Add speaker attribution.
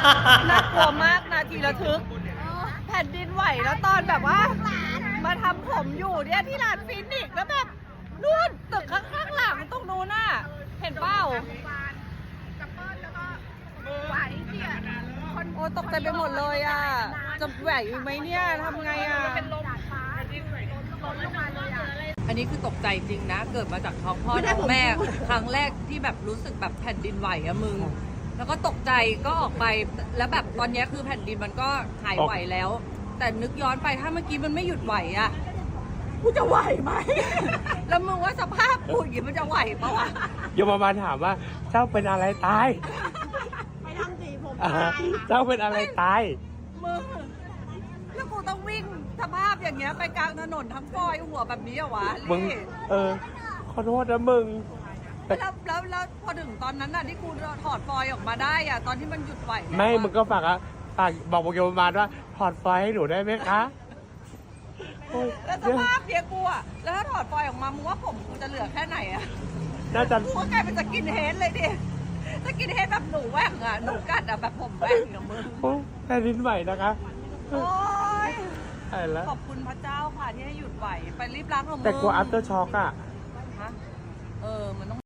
Speaker 1: น่ากลัวมากนาทีระทึกแผ่นดินไหวแล้วตอนแบบว่ามาทำผมอยู่เนี่ยที่ร้านฟินิกส์แล้วแบบนู่นตึกข้างหลังตรงนู้นน่ะเห็นเปล่าโอ้ตกใจไปหมดเลยอ่ะจะไหวไหมเนี่ยทำไงอ่ะอันนี้คือตกใจจริงนะเกิดมาจากท้องพ่อท้องแม่ครั้งแรกที่แบบรู้สึกแบบแผ่นดินไหวอะมึงแล้วก็ตกใจก็ออกไปแล้วแบบตอนนี้คือแผ่นดินมันก็หายไหวแล้วแต่นึกย้อนไปถ้าเมื่อกี้มันไม่หยุดไหวอะกูจะไหวไหม แล้วมึงว่าสภาพกูอย่างนี้มันจะไหวปะวะ
Speaker 2: โยมมาถามว่าเจ้าเป็นอะไรตาย
Speaker 3: ไปทำสีผมตาย
Speaker 2: เจ้าเป็นอะไรตาย
Speaker 1: มึงแล้วกูต้องวิ่งสภาพอย่างเงี้ยไปกลางถนนทั้งฟอยหัวแบบนี้เหรอวะ
Speaker 2: มึงขอโทษนะมึง
Speaker 1: แล้วพอถึงตอนนั้นน่ะที่กูถอดฟอยออกมาได้อ่ะตอนที่มันหยุดไหว
Speaker 2: ไม่มึงก็ฝากบอกโยมมาว่าถอดฟอยให้หนูได้ไหมคะ
Speaker 1: แล้วสภาพเนี้ยกูอ่ะแล้วถ้าถอดฟอยออกมามึงว่าผมกูจะเหลือแค่ไหนอ่ะ
Speaker 2: น่าจะ
Speaker 1: กูก็กลายเป็นสกินเฮดเลยดิสกินเฮดแบบหนูแหว่งอ่ะหนูกัดอ่ะแบบผมแหว่งอย่างมึง
Speaker 2: แผ่นดินไหวนะคะ
Speaker 1: โอ้ย
Speaker 2: แล้ว
Speaker 1: ขอบคุณพระเจ้าค่ะที่ให้หยุดไหวไปรีบล้างของมึง
Speaker 2: แต่กลัว after shock อ่ะ
Speaker 1: มันต้อง